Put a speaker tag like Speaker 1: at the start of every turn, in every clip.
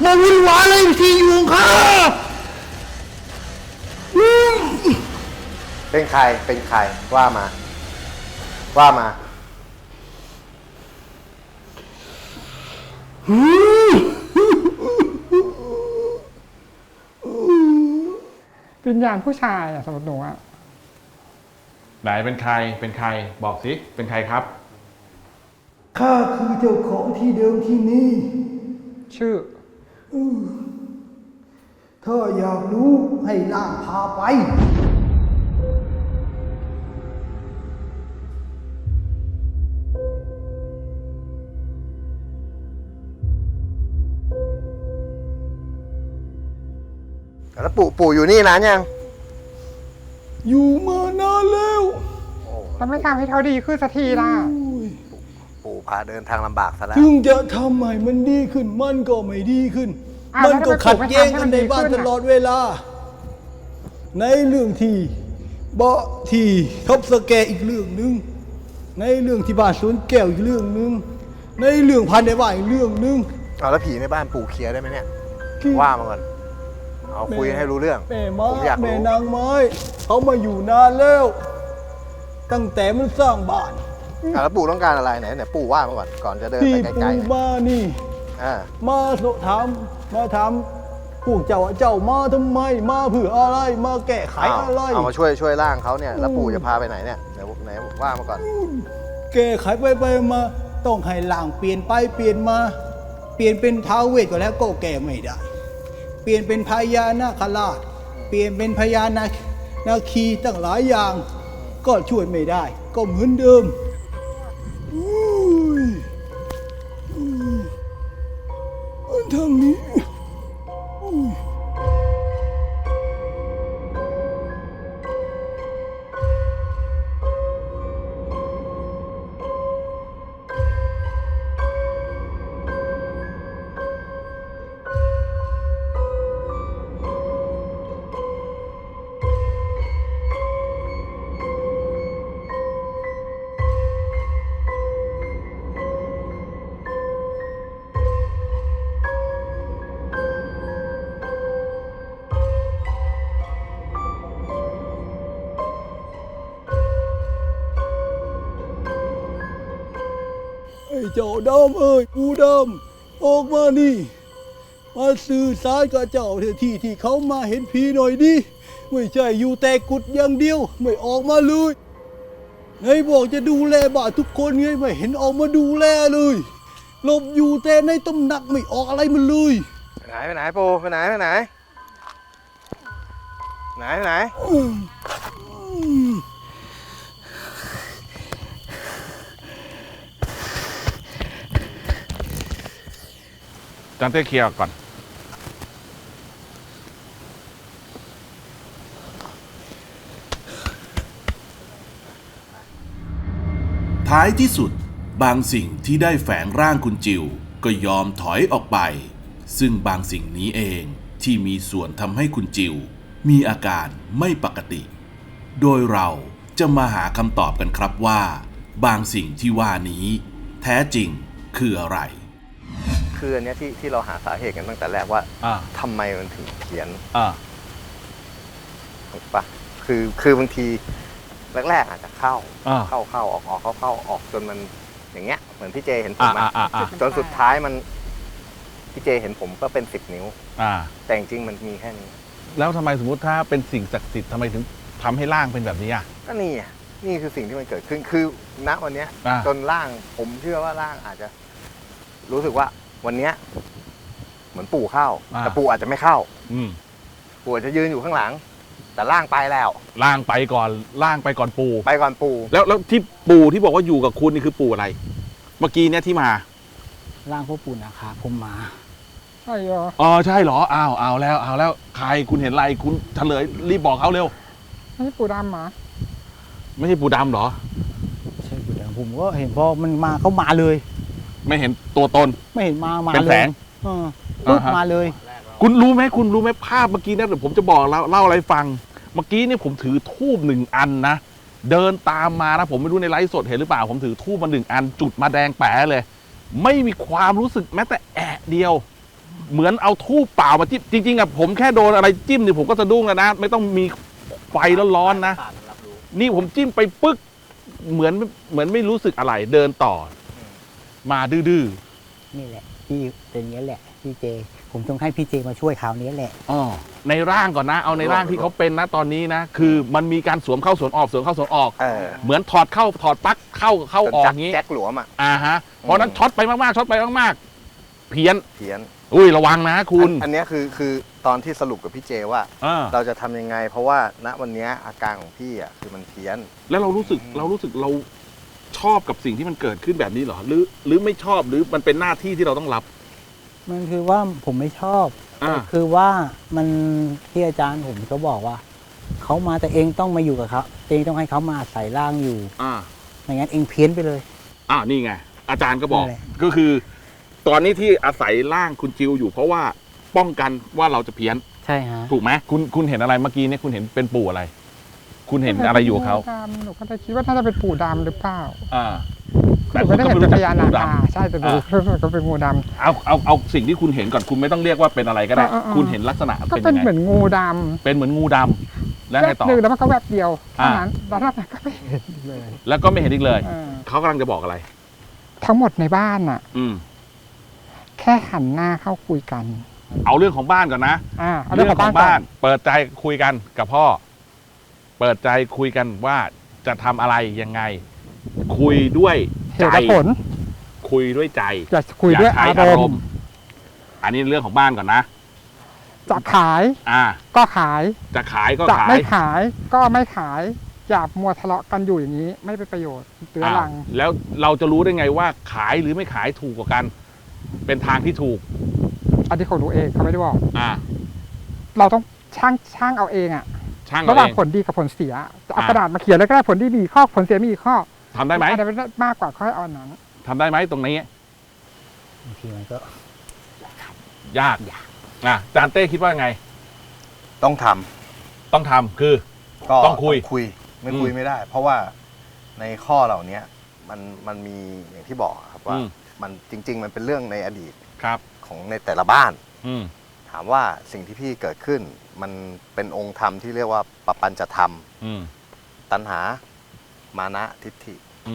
Speaker 1: มาวุ่นวายเลยที่อยู่ของข้า
Speaker 2: เป็นใครเป็นใครว่ามาว่ามา
Speaker 3: วิญญาณผู้ชายสำหรับหนูอะ
Speaker 4: ไหนเป็นใครเป็นใครบอกสิเป็นใครครับ
Speaker 1: ข้าคือเจ้าของที่เดิมที่นี่
Speaker 3: ชื่อ
Speaker 1: ถ้าอยากรู้ให้ล่างพาไป
Speaker 2: แล้วปู่อยู่นี่นานยัง
Speaker 1: อยู่มานานแล้ว
Speaker 3: แล้วไม่ทำให้เขาดีขึ้นสักทีล่ะ
Speaker 2: ปู่พาเดินทางลำบากซะแล้ว
Speaker 1: ถึงจะทำให้มันดีขึ้นมันก็ไม่ดีขึ้น
Speaker 3: อ้าว
Speaker 1: มันก็ขัดแย้งกันในบ้าน
Speaker 3: แล้วทำไมปู่ไม่ทำให้มันดีขึ้น
Speaker 1: ตลอดเวลา ในเรื่องที่เบาะที่ทบสแกอีกเรื่องหนึ่งในเรื่องที่บ้านสวนแก้วอีกเรื่องหนึ่งในเรื่องพันในบ้านอีกเรื่องหนึ่ง
Speaker 2: เอาแล้วผีในบ้านปู่เคลียร์ได้ไหมเนี่ย
Speaker 1: คือ
Speaker 2: ว่ามาก่อนเอาคุยให้รู้เรื่อง
Speaker 1: แม่ม้า
Speaker 2: ผมอยาก
Speaker 1: แม่
Speaker 2: รู้
Speaker 1: นางไม้เขามาอยู่นานแล้ว ตั้งแต่มันสร้างบ้าน
Speaker 2: แล้วปู่ต้องการอะไรไหนปู่ว่ามาก่อนจะเดิน
Speaker 1: ที่
Speaker 2: ไปไกล
Speaker 1: ปู่
Speaker 2: ๆเนี่ย
Speaker 1: มานี่
Speaker 2: อ่า
Speaker 1: มาถามพวกเจ้ามาทำไมมาเพื่ออะไรมาแก้ไขอะไร
Speaker 2: เอามาช่วยร่างเขาเนี่ยแล้วปู่จะพาไปไหนเนี่ยไหนว่ามาก่อน
Speaker 1: แก้ไขไปมาต้องให้ล่างเปลี่ยนไปเปลี่ยนมา เปลี่ยนเป็นท้าวเวทก็แล้วก็แก้ไม่ได้ เปลี่ยนเป็นพญานาคราชเปลี่ยนเป็นพญานาคีตั้งหลายอย่าง ก็ช่วยไม่ได้ ก็เหมือนเดิมอันทางนี้ไอ้เจ้าดำเอ้ยปูดำออกมานี่มาสื่อสารกับเจ้าที่เขามาเห็นผีหน่อยดิไม่ใช่อยู่แต่กุดอย่างเดียวไม่ออกมาเลยไงบอกจะดูแลบ้านทุกคนไงไม่เห็นออกมาดูแลเลยหลบอยู่แต่ในตำหนักไม่ออกอะไรมันเลย
Speaker 2: ไปไหนปู่ไปไหนไหน
Speaker 4: จานเต้เคลียร์ก่อน
Speaker 5: ท้ายที่สุดบางสิ่งที่ได้แฝงร่างคุณจิวก็ยอมถอยออกไป ซึ่งบางสิ่งนี้เองที่มีส่วนทำให้คุณจิวมีอาการไม่ปกติ โดยเราจะมาหาคำตอบกันครับว่า บางสิ่งที่ว่านี้แท้จริงคืออะไร
Speaker 2: คืออันเนี้ยที่เราหาสาเหตุกันตั้งแต่แรกว่าทำไมมันถึงเพี้ยนถูกปะคือบางทีแรกๆอาจจะเข้าออกเข้าออกจนมันอย่างเงี้ยเหมือนพี่เจเห็นผมจนสุดท้ายมันพี่เจเห็นผมก็เป็น10 นิ้วแต่จริงๆมันมีแค่นี้
Speaker 4: แล้วทำไมสมมติถ้าเป็นสิ่งศักดิ์สิทธิ์ทำไมถึงทำให้ร่างเป็นแบบนี้อ่ะ
Speaker 2: ก็นี่คือสิ่งที่มันเกิดขึ้นคือณวันเนี้ยจนร่างผมเชื่อว่าร่างอาจจะรู้สึกว่าวันเนี้ยเหมือนปู่เข้าแต่ปู่อาจจะไม่เข้าปู่อาจจะยืนอยู่ข้างหลังแต่ร่างไปแล้ว
Speaker 4: ร่างไปก่อนปู่แล้วที่ปู่ที่บอกว่าอยู่กับคุณนี่คือปู่อะไรเมื่อกี้เนี่ยที่มา
Speaker 6: ร่างพ่อปู่นะคะผมมา
Speaker 3: ใช่เหรอ
Speaker 4: ใช่เหรอเอาแล้วใครคุณเห็นอะไรคุณเฉลยรีบบอกเขาเร็ว
Speaker 3: ไม่ใช่ปู่ดำหรอ
Speaker 4: ไม่ใช่ปู่ดำเหรอ
Speaker 6: ใช่ปู่ดำผมก็เห็นพอมันมาเขามาเลย
Speaker 4: ไม่เห็นตัวตน
Speaker 6: ไม่เห็นมา
Speaker 4: เป็นแสง
Speaker 6: มาเลย
Speaker 4: คุณรู้ไหมภาพเมื่อกี้นะเดี๋ยวผมจะบอกเล่าอะไรฟังเมื่อกี้เนี่ยผมถือธูป1 อันนะเดินตามมานะผมไม่รู้ในไลฟ์สดเห็นหรือเปล่าผมถือธูปมา1 อันจุดมาแดงแป๋เลยไม่มีความรู้สึกแม้แต่แอะเดียวเหมือนเอาทูบเปล่ามาจิ้มจริงๆอะผมแค่โดนอะไรจิ้มเนี่ยผมก็สะดุ้งแล้วนะไม่ต้องมีไฟร้อนๆนะนี่ผมจิ้มไปปึ๊กเหมือนไม่รู้สึกอะไรเดินต่อมาดื้อ
Speaker 6: นี่แหละพี่เป็นอย่างนี้แหละพี่เจ ผมต้องให้พี่เจมาช่วยคราวนี้แหละ
Speaker 4: ๆอ๋อในร่างก่อนนะเอาในร่างที่เขาเป็นนะตอนนี้นะคือมันมีการสวมเข้าสวมออกสวมเข้าสวมออก เหมือนถอดเข้าถอดปลั๊กเข้าออกอย่างนี้
Speaker 2: แจ็คหลวมอ่ะ
Speaker 4: ฮะเพราะนั้นช็อตไปมากๆช็อตไปมากๆเพี้ยน
Speaker 2: อุ้
Speaker 4: ระวังนะคุณ
Speaker 2: อันนี้คือตอนที่สรุปกับพี่เจว่า เราจะทำยังไง เพราะว่าณวันนี้อาการของพี่อ่ะคือมันเพี้ยน
Speaker 4: แล้วเรารู้สึกเราชอบกับสิ่งที่มันเกิดขึ้นแบบนี้เหรอหรือไม่ชอบหรือมันเป็นหน้าที่ที่เราต้องรับ
Speaker 6: มันคือว่าผมไม่ชอบแต่คือว่ามันที่อาจารย์ผมก็บอกว่าเขามาแต่เองต้องมาอยู่กับเขาเองต้องให้เขามาอาศัยร่างอยู่ไม่งั้นเองเพี้ยนไปเลย
Speaker 4: นี่ไงอาจารย์ก็บอกก็คือตอนนี้ที่อาศัยร่างคุณจิวอยู่เพราะว่าป้องกันว่าเราจะเพี้ยน
Speaker 6: ใช่ฮะ
Speaker 4: ถูกไหมคุณเห็นอะไรเมื่อกี้เนี่ยคุณเห็นเป็นปู่อะไร คุณเห็นอะไรอยู่กับเขา
Speaker 3: หนูก็จะคิดว่าน่าจะเป็นปู่ดำหรือเปล่า
Speaker 4: แต่
Speaker 3: ไม่ได้เห็นเป็นพญานาคใช่แต่ดูก็เป็นงูดำ
Speaker 4: เอาสิ่งที่คุณเห็นก่อนคุณไม่ต้องเรียกว่าเป็นอะไรก็ได้คุณเห็นลักษณะ
Speaker 3: ก็เป็นเหมือนงูดำ
Speaker 4: เป็นเหมือนงูดำแล้วไงต่อ
Speaker 3: แล้วมันก็แวบเดียวเท่านั้นแล้วก็ไม่เห็นอีกเลย
Speaker 4: แล้วก็ไม่เห็นอีกเลยเขากำลังจะบอกอะไร
Speaker 3: ทั้งหมดในบ้านอ่ะแค่หันหน้าเข้าคุยกัน
Speaker 4: เอาเรื่องของบ้านก่อนนะเรื่องของบ้านเปิดใจคุยกันกับพ่อเปิดใจคุยกันว่าจะทำอะไรยังไงคุยด้วยใจคุยด้วยใจ
Speaker 3: อย่าคุยด้วยอารมณ์
Speaker 4: อันนี้เรื่องของบ้านก่อนนะ
Speaker 3: จะขายก็ขาย
Speaker 4: จะขายก็
Speaker 3: ขายจะไม่ขายก็ไม่ขายอย่ามัวทะเลาะกันอยู่อย่างนี้ไม่เป็นประโยชน์เตือนหลัง
Speaker 4: แล้วเราจะรู้ได้ไงว่าขายหรือไม่ขายถูกกว่ากันเป็นทางที่ถูก
Speaker 3: อันที่ของหนูเองเขาไม่ได้บอกเราต้องช่างเอาเองระหว่างผลดีกับผลเสียจะเอากระดาษมาเขียนแล้วก็ได้ผลดีมีข้อผลเสียมีอีกข้อ
Speaker 4: ทำได้ไหม
Speaker 3: อะไรมากกว่าค่อยเอานั้น
Speaker 4: ทำได้ไหมตรงนี้
Speaker 6: บางทีมันก็
Speaker 4: ยากจานเต้คิดว่าไง
Speaker 2: ต้องท
Speaker 4: ำคือต้องคุย
Speaker 2: ไม่คุยไม่ได้ เพราะว่าในข้อเหล่านี้มันมีอย่างที่บอกครับว่ามันจริงๆมันเป็นเรื่องในอดีตของในแต่ละบ้านถามว่าสิ่งที่พี่เกิดขึ้นมันเป็นองค์ธรรมที่เรียกว่าปปัญจธรรมตัณหามานะทิฏฐิ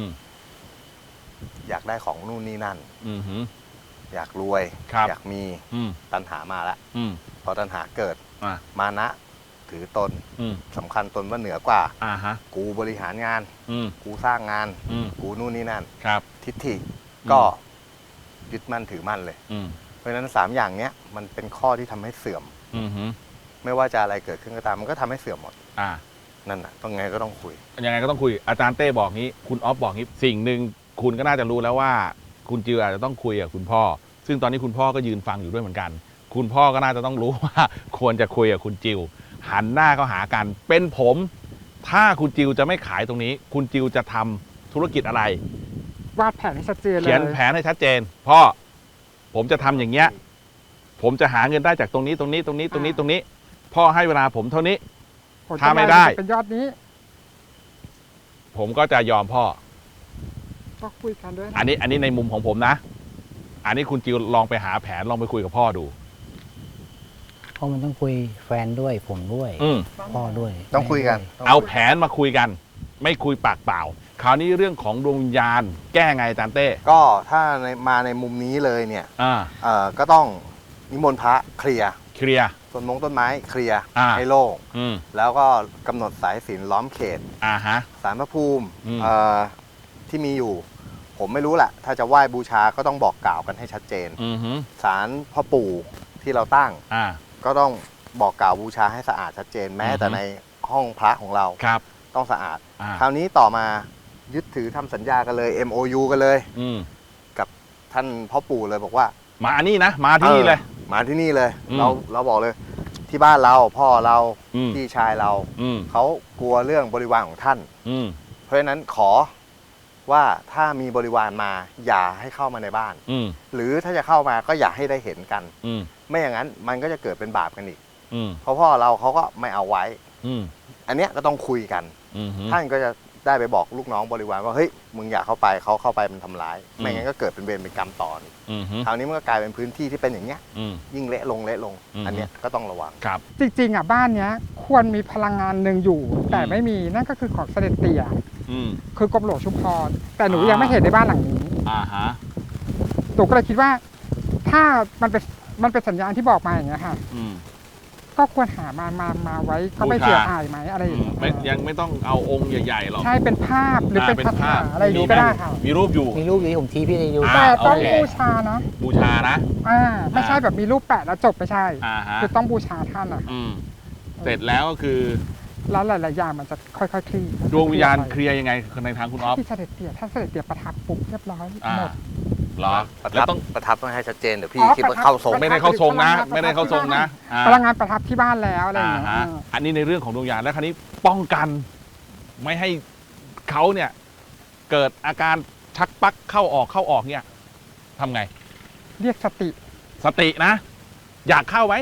Speaker 2: อยากได้ของนู่นนี่นั่นอยากรวยอยากมีตัณหามาแล้วพอตัณหาเกิดมานะถือตนสำคัญตนว่าเหนือกว่ากูบริหารงานกูสร้างงานกูนู่นนี่นั่นทิฏฐิก็ยึดมั่นถือมั่นเลยเพราะฉะนั้น3อย่างเนี้ยมันเป็นข้อที่ทำให้เสื่อมไม่ว่าจะอะไรเกิดขึ้นก็ตามมันก็ทำให้เสื่อมหมดนั่นน่ะต้องไงก็ต้องคุย
Speaker 4: ยังไงก็ต้องคุยอาจารย์เต้บอกงี้คุณออฟบอกงี้สิ่งหนึ่งคุณก็น่าจะรู้แล้วว่าคุณจิวอาจจะต้องคุยกับคุณพ่อซึ่งตอนนี้คุณพ่อก็ยืนฟังอยู่ด้วยเหมือนกันคุณพ่อก็น่าจะต้องรู้ว่าควรจะคุยกับคุณจิวหันหน้าเข้าหากันเป็นผมถ้าคุณจิวจะไม่ขายตรงนี้คุณจิวจะทำธุรกิจอะไร
Speaker 3: วาดแผนให้ชัดเจนเลย
Speaker 4: เขียนแผนให้ชัดเจนพ่อผมจะทำอย่างเงี้ยผมจะหาเงินได้จากตรงนี้พ่อให้เวลาผมเท่านี้ถ้าไม่ได้
Speaker 3: เป็นยอดนี้
Speaker 4: ผมก็จะยอมพ่อ
Speaker 3: ก็คุยกันด้วย
Speaker 4: อันนี้ในมุมของผมนะอันนี้คุณจิวลองไปหาแผนลองไปคุยกับพ่อดู
Speaker 6: เพราะมันต้องคุยแฟนด้วยผมด้วยพ่อด้วย
Speaker 2: ต้องคุยกัน
Speaker 4: เอาแผนมาคุยกันไม่คุยปากเปล่าคราวนี้เรื่องของดวงวิญญาณแก้ไงอาจารย์เต้
Speaker 2: ก็ถ้ามาในมุมนี้เลยเนี่ยก็ต้องนิมนต์พระเคลียร์ต้นไม้เคลียร์ให้โล่งแล้วก็กำหนดสายศีลล้อมเขตศาลพระภูมิที่มีอยู่ผมไม่รู้แหละถ้าจะไหว้บูชาก็ต้องบอกกล่าวกันให้ชัดเจนศาลพ่อปู่ที่เราตั้งก็ต้องบอกกล่าวบูชาให้สะอาดชัดเจนแม้แต่ในห้องพระของเราต้องสะอาดคราวนี้ต่อมายึดถือทำสัญญากันเลย MOU กันเลยกับท่านพ่อปู่เลยบอกว่า
Speaker 4: มาอันนี้นะมาที่นี่เลย
Speaker 2: เราบอกเลยที่บ้านเราพ่อเราพี่ชายเราเขากลัวเรื่องบริวารของท่านเพราะฉะนั้นขอว่าถ้ามีบริวารมาอย่าให้เข้ามาในบ้านหรือถ้าจะเข้ามาก็อย่าให้ได้เห็นกันไม่อย่างนั้นมันก็จะเกิดเป็นบาปกันอีกเพราะพ่อเราเขาก็ไม่เอาไว้อันเนี้ยก็ต้องคุยกันท่านก็จะได้ไปบอกลูกน้องบริวารว่าเฮ้ยมึงอย่าเข้าไปเขาเข้าไปมันทำร้ายไม่งั้นก็เกิดเป็นเวรเป็นกรรมต่อคราวนี้มันก็กลายเป็นพื้นที่ที่เป็นอย่างเงี้ยยิ่งเละลงอันเนี้ยก็ต้องระวัง
Speaker 4: ครับ
Speaker 3: จริงๆบ้านเนี้ยควรมีพลังงานหนึ่งอยู่ แต่ไม่มีนั่นก็คือของเสด็จเตี่ยคือกรมหลวงชุมพรแต่หนูยังไม่เห็นในบ้านหลังนี้หนูก็เลยคิดว่าถ้ามันเป็นสัญญาณที่บอกมาอย่างเงี้ยค่ะก็ควรหามาไว้ก็ไม่เสียหายไหมอะไรอย่างเงี้ย
Speaker 4: ยังไม่ต้องเอาองค์ใหญ่ๆหรอก
Speaker 3: ใช่เป็นภาพหรือเป็นคาถาอะไรอยู่ก็ได้ค่ะ
Speaker 4: มีรูปอยู่
Speaker 6: ผมชี้พี่ได้อยู่
Speaker 3: แต่ต้องบูชานะไม่ใช่แบบมีรูปแปะแล้วจบไม่ใช่คือต้องบูชาท่านอ่ะ
Speaker 4: เสร็จแล้วก็คือ
Speaker 3: แล้วหลายๆอย่างมันจะค่อยๆคลี่
Speaker 4: ดวงวิญญาณเคลียร์ยังไงในทางคุณอ๊อฟ
Speaker 3: ที่เสด็จเตี่ยถ้าเสด็จเตี่ยประทับปุ๊บเรียบร้อยหมด
Speaker 2: แล้วต้องประทับต้องให้ชัดเจนเดี๋ยวพี่คิดว่าเข้าทรง
Speaker 4: ไม่ได้เข้าทรงนะไม่ได้เข้าทรงนะ
Speaker 3: พลังงานประทับที่บ้านแล้วอะไรอย่างเงี้ย
Speaker 4: อันนี้ในเรื่องของดวงวิญญาณแล้วคราวนี้ป้องกันไม่ให้เขาเนี่ยเกิดอาการชักปักเข้าออกเนี่ยทำไง
Speaker 3: เรียกสติ
Speaker 4: นะอยากเข้าไหม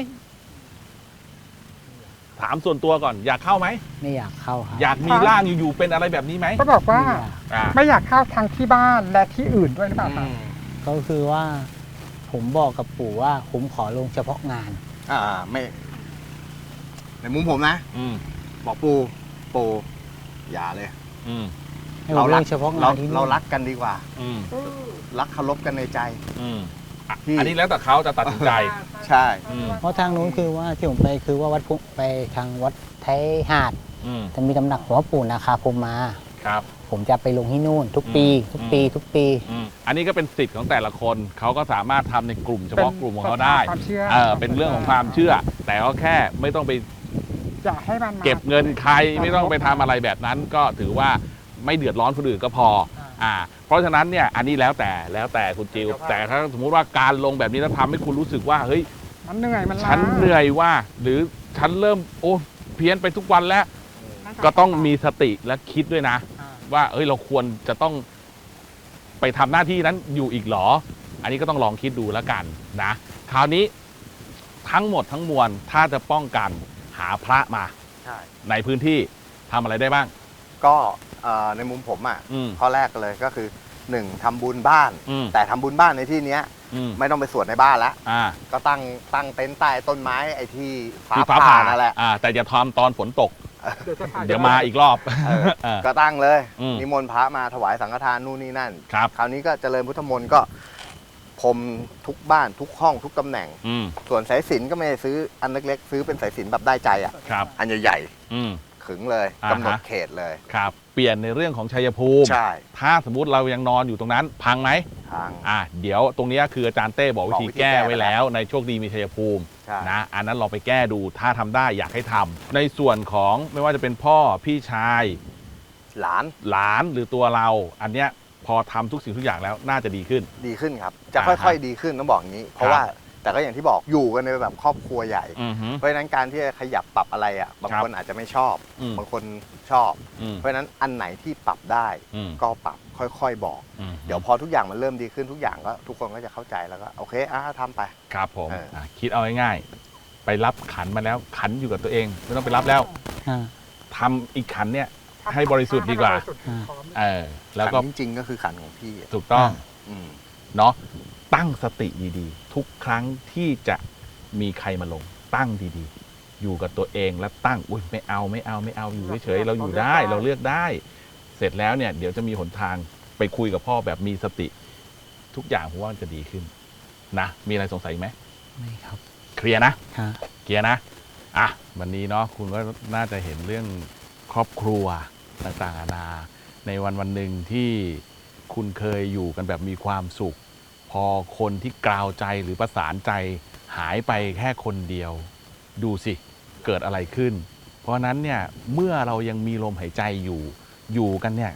Speaker 4: ถามส่วนตัวก่อนอยากเข้าไหม
Speaker 6: ไม่อยากเข้าครับ
Speaker 4: อยากมีร่างอยู่ๆเป็นอะไรแบบนี้ไหม
Speaker 3: ก็บอกว่าไม่อยากเข้าทั้งที่บ้านและที่อื่นด้วยหรือเปล่า
Speaker 6: ก็คือว่าผมบอกกับปู่ว่าผมขอลงเฉพาะงาน
Speaker 2: ไม่ในมุมผมนะบอกปู่อย่าเลย
Speaker 6: เราลงเฉพาะงาน
Speaker 2: เรารักกันดีกว่ารักเคารพกันในใจ
Speaker 4: อันนี้แล้วแต่เขาจะตัดสินใจ
Speaker 2: ใช่
Speaker 6: เพราะทางนู้นคือว่าที่ผมไปคือว่าวัดไปทางวัดไทยหาดจะมีตำหนักหลวงพ่อปู่นาคาพรหมมา
Speaker 4: ครับ
Speaker 6: ผมจะไปลงที่นู่นทุกปี
Speaker 4: อันนี้ก็เป็นสิทธิ์ของแต่ละคนเขาก็สามารถทำในกลุ่มเฉพาะกลุ่มของเขาได้เป็นเรื่องของความเชื่อแต่ก็แค่ไม่ต้องไป
Speaker 3: จะให้มัน
Speaker 4: เก็บเงินใครไม่ต้องไปทำอะไรแบบนั้นก็ถือว่าไม่เดือดร้อนคนอื่นก็พอเพราะฉะนั้นเนี่ยอันนี้แล้วแต่คุณจิวแต่ถ้าสมมุติว่าการลงแบบนี้แล้วทำให้คุณรู้สึกว่าเฮ้ย
Speaker 3: มันเหนื่อยมันล้า
Speaker 4: ฉันเหนื่อยว่าหรือฉันเริ่มเพี้ยนไปทุกวันแล้วก็ต้องมีสติและคิดด้วยนะว่าเราควรจะต้องไปทำหน้าที่นั้นอยู่อีกหรออันนี้ก็ต้องลองคิดดูแล้วกันนะคราวนี้ทั้งหมดทั้งมวลถ้าจะป้องกันหาพระมาในพื้นที่ทำอะไรได้บ้าง
Speaker 2: ก็ในมุมผมข้อแรกเลยก็คือ1ทำบุญบ้านแต่ทำบุญบ้านในที่นี้ไม่ต้องไปสวดในบ้านแล้วก็ตั้งเต็นท์ใต้ต้นไม้ไอ้ที่ฟ้าผ่านั่นแหละ
Speaker 4: แต่อย่าทำตอนฝนตกเดี๋ยวมาอีกรอบ
Speaker 2: ก็ตั้งเลยนิมนต์พระมาถวายสังฆทานนู่นนี่นั่นคราวนี้ก็เจริญพุทธมนต์ก็พรมทุกบ้านทุกห้องทุกตำแหน่งส่วนสายสิญจน์ก็ไม่ได้ซื้ออันเล็กๆซื้อเป็นสายสิญจน์แบบได้ใจอันใหญ่ๆขึงเลยกำหนดเขตเลย
Speaker 4: ครับเปลี่ยนในเรื่องของชัยภูมิ
Speaker 2: ใช่
Speaker 4: ถ้าสมมุติเรายังนอนอยู่ตรงนั้นพังไหม
Speaker 2: พัง
Speaker 4: เดี๋ยวตรงนี้คืออาจารย์เต้บอกวิธีแก้ไว้แล้วในโชคดีมีชัยภูมินะอันนั้นเราไปแก้ดูถ้าทำได้อยากให้ทำในส่วนของไม่ว่าจะเป็นพ่อพี่ชาย
Speaker 2: หล
Speaker 4: านหรือตัวเราอันเนี้ยพอทำทุกสิ่งทุกอย่างแล้วน่าจะดีขึ้น
Speaker 2: ครับจะค่อยๆดีขึ้นต้องบอกอย่างนี้เพราะว่าแต่ก็อย่างที่บอกอยู่กันในแบบครอบครัวใหญ่เพราะฉะนั้นการที่จะขยับปรับอะไรบางคนอาจจะไม่ชอบบางคนชอบเพราะฉะนั้นอันไหนที่ปรับได้ก็ปรับค่อยๆบอกเดี๋ยวพอทุกอย่างมันเริ่มดีขึ้นทุกอย่างก็ทุกคนก็จะเข้าใจแล้วก็โอเคทำไป
Speaker 4: ครับผมคิดเอาง่ายๆไปรับขันมาแล้วขันอยู่กับตัวเองไม่ต้องไปรับแล้วทำอีกขันเนี่ยให้บริสุทธิ์ดีกว่าแล้วก็
Speaker 2: จริงๆก็คือขันของพี่
Speaker 4: ถูกต้องเนาะตั้งสติดีๆทุกครั้งที่จะมีใครมาลงตั้งดีๆอยู่กับตัวเองแล้วตั้งไม่เอาอยู่เฉยๆเราอยู่ได้เราเลือกได้เสร็จแล้วเนี่ยเดี๋ยวจะมีหนทางไปคุยกับพ่อแบบมีสติทุกอย่างผมว่ามันจะดีขึ้นนะมีอะไรสงสัยไหม
Speaker 6: ไม่ครับ
Speaker 4: เคลียร์นะเคลียร์นะวันนี้เนาะคุณก็น่าจะเห็นเรื่องครอบครัวต่างๆนานาในวันหนึ่งที่คุณเคยอยู่กันแบบมีความสุขพอคนที่กล่าวใจหรือประสานใจหายไปแค่คนเดียวดูสิเกิดอะไรขึ้นเพราะนั้นเนี่ยเมื่อเรายังมีลมหายใจอยู่กันเนี่ย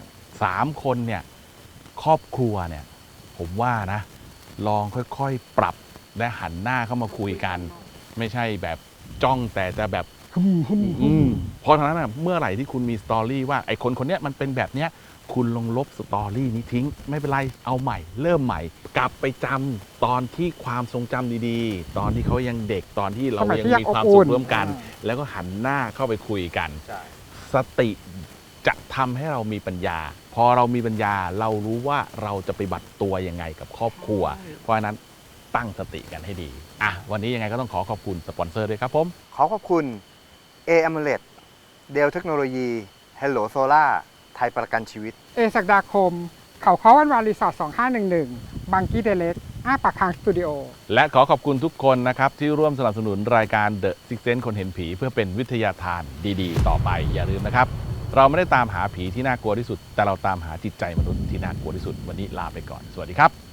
Speaker 4: 3 คนเนี่ยครอบครัวเนี่ยผมว่านะลองค่อยๆปรับและหันหน้าเข้ามาคุยกันไม่ใช่แบบจ้องแต่จะแบบเพราะฉะนั้นเมื่อไหร่ที่คุณมีสตอรี่ว่าไอ้คนเนี้ยมันเป็นแบบเนี้ยคุณลงลบสตอรี่นี้ทิ้งไม่เป็นไรเอาใหม่เริ่มใหม่กลับไปจำตอนที่ความทรงจำดีๆตอนที่เขายังเด็กตอนที่เรายังมีความสุขร่วมกันแล้วก็หันหน้าเข้าไปคุยกันสติจะทำให้เรามีปัญญา พอเรามีปัญญาเรารู้ว่าเราจะไปบัตรตัวยังไงกับครอบครัว เพราะฉะนั้นตั้งสติกันให้ดีวันนี้ยังไงก็ต้องขอบคุณสปอนเซอร์ด้วยครับผม
Speaker 2: ขอขอบคุณ AMOLED เดลเทคโนโลยี Hello Solar ไทยประกันชีวิต
Speaker 3: ศักดาคม เขาค้อวันวานรีสอร์ท2511บางกี้เดเลสปากคางสตูดิโอ
Speaker 4: และขอขอบคุณทุกคนนะครับที่ร่วมสนับสนุนรายการ The Six Sense คนเห็นผีเพื่อเป็นวิทยาทานดีๆ ต่อไปอย่าลืมนะครับเราไม่ได้ตามหาผีที่น่ากลัวที่สุดแต่เราตามหาจิตใจมนุษย์ที่น่ากลัวที่สุดวันนี้ลาไปก่อนสวัสดีครับ